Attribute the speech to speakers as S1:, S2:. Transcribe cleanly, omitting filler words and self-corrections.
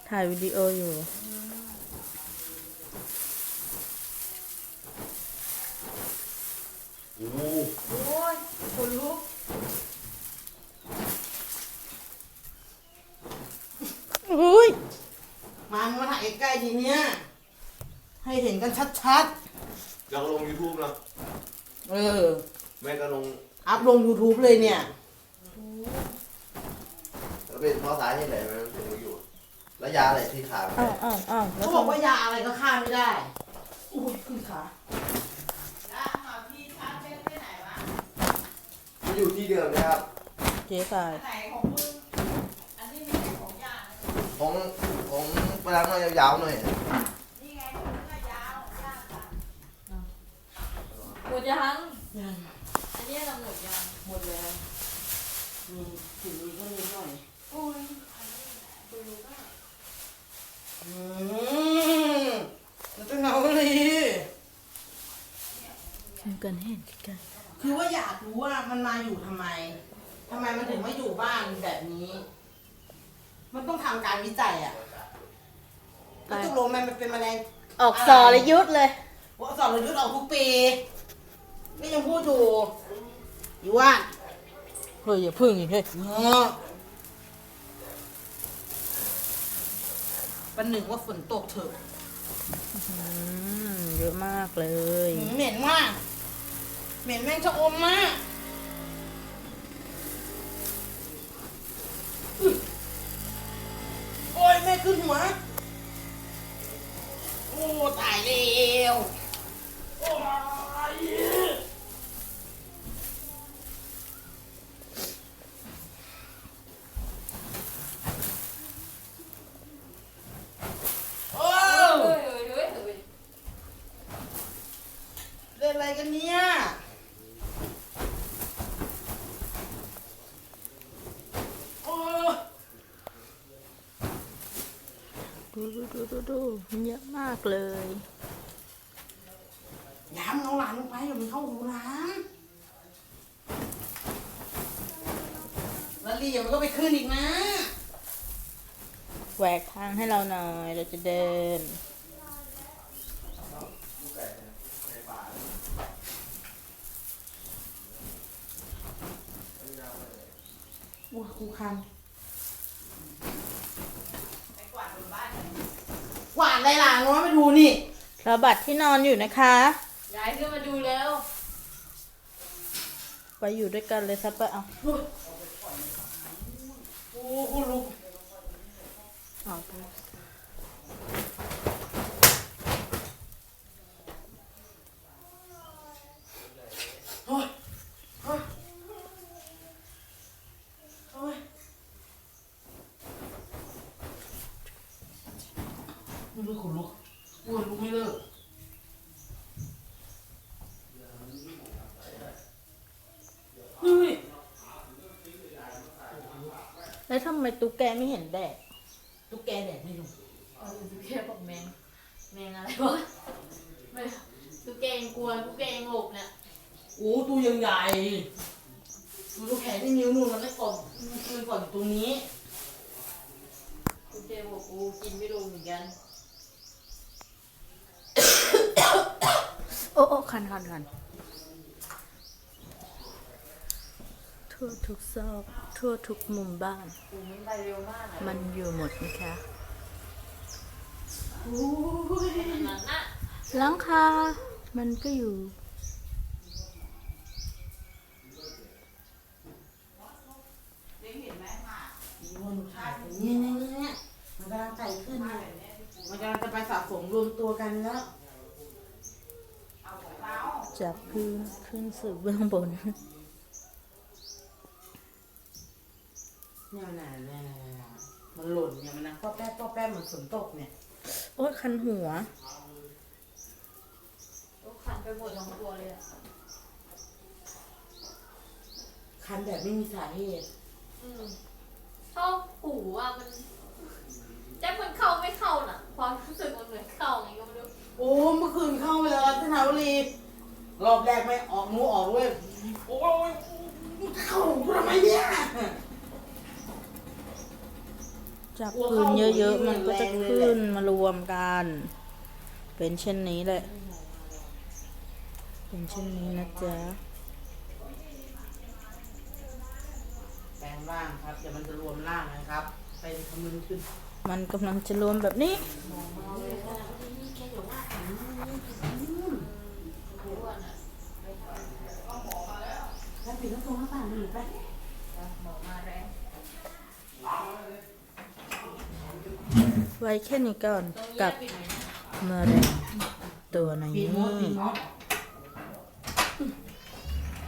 S1: ถ่ายวิดีโออยู่
S2: โอ้
S3: ยคนลุก
S1: อุ้ย
S3: มาถ่ายใกล้ๆทีเนี้ยให้เห็นกันชัด
S2: อยากลง YouTube นะ
S3: ๆ
S2: แม่ก็ลง
S3: อัพลง YouTube เลยเนี่ย
S2: แล้วเป็นเพราะสาเหตุไหนมันถึงมาอยู่ แล้วยาอะไรที่ขาด
S1: อ้าวแล้
S3: เขา
S1: ว
S3: บอกว่ายาอะไรก็ฆ่าไม่ได้อุ้ยขึ้นขา
S2: มันอยู่ที่เดิมนะครับ
S1: เจ๊กาย
S2: ของของไปล้างหน่อยยาวๆหน่อย
S4: หมดยัง
S3: ยัง
S4: อันนี้เราหมดยัง
S3: หมดแล้วมีสิ่งนี้ก็นิดหน่อย
S4: โอ้ยดูก็
S3: แล้วจะเงาเลย
S1: ทำกันให้เห็นกัน
S3: คือว่าอยากรู้ว่ามันมาอยู่ทำไมมันถึงไม่อยู่บ้านแบบนี้ มันต้องทำการวิจัยอ่ะแล้วตกลงมันเป็นแมลง
S1: ออกสรยุทธ์เลย
S3: ว่าสอนเรายุดออกทุกปีนี่ยังพูดอยู่ว่า
S1: เฮ้ยอย่าพึ่งอีกเฮ้ย
S3: วันหนึ่งว่าฝนตกเถอะ
S1: เยอะมากเลย
S3: เหม็นมากเหม็นแม่งชะอมมากโอ้ยแม่ขึ้นหัวโอ้ตายแล้วโอ้ยโอ้
S4: เฮ้ยเฮ้ยเฮ้ยเฮ้ย
S3: เล่นอะไรกันเนี่ยโอ้
S1: ดูเยอะมากเลย
S3: ย้ำเอาหลานลงไปอย่ามันเข้าหูหลานแล้วลีอย่ามันก็ไปขึ้นอีกนะ
S1: แหวกทางให้เราหน่อยเราจะเดิน
S3: อู้ครูคันกวาดอะไรหลานวะไปดูนี่
S1: เราบัตรที่นอนอยู่นะคะ
S4: ย้ายขึ้นมาดูแล้ว
S1: ไปอยู่ด้วยกันเลยซับไปเอา
S3: โอ้คุณลุก
S1: เอาไป
S3: โอ้ยโอ้ยโอ้ยไม่รู้คุณลุกอ้วนลุกไม่เลิกเฮ้ย
S1: แล้วทำไมตุ๊กแกไม่เห็นแดด
S3: ตุ๊กแกแดดไม่ลง
S4: ตุ๊กแกบอกแมงอะไรวะไม่ตุ๊กแกยังกลัวตุ๊กแกยังหลบเนี่ย
S3: โอ้ตัวยังใหญ่ดูลูกแขนที่นิ้วนู่นมันไม่กดมือก่อนอยู่ตรงนี้
S4: ตุ๊กแกบอกกูกินไม่ลงเหมือนกัน
S1: โอ้คันทั่วทุกซอกทั่วทุกมุมบ้าน
S4: กูมันไปเร็วมากอะ
S1: มันอยู่หมดนะคะ
S3: โอ้ย
S4: อันนั้นน่ะ
S1: หลังคามันก็อยู่
S3: นี่มันถ่ายเนี่ยมันกำลังไต่ขึ้นเนี่ยมันกำลังจะไปสะสมรวมตัวกันแล้ว
S1: จากพื้นขึ้นสู่เบื้องบน
S3: เนี่ยมันหล่นเนี่ยมันนั่งป้อแป๊บเหมือนฝนตกเนี่ย
S1: โอ้ยคันหัว
S4: ตุ๊กขันไปหมดทั้งตัวเลยอะ
S3: คันแบบไม่มีสาเหตุ
S4: ชอบหูอ่ะมันแจ็คมันเข้าไม่เข้าน่ะความรู้สึกมันเหมือนเข้าไงก็ไม่รู้
S3: โอ้เมื่อคืนเข้าไปแล้วรัตนาวรีรอบแรกไม่ออกงูออกด้วยโอ้ยเข้าหูกูทำไมเนี่ย
S1: จับคืนเยอะๆมันก็จะขึ้นมารวมกัน เป็นเช่นนี้แหละ เป็นเช่นนี้นะจ๊ะ
S3: แปลงร่างครับเดี๋ยวมันจะรวมร่างนะครับ ไปคำนึงขึ้น
S1: มันกำลังจะรวมแบบนี้
S3: แล้วปิดแล้วตรงหน้าต่างหนีไป
S1: ไว้แค่นี้ก่อนกับมะเร็งตัวใน
S3: ปี
S1: นี้
S3: โมดปีโมด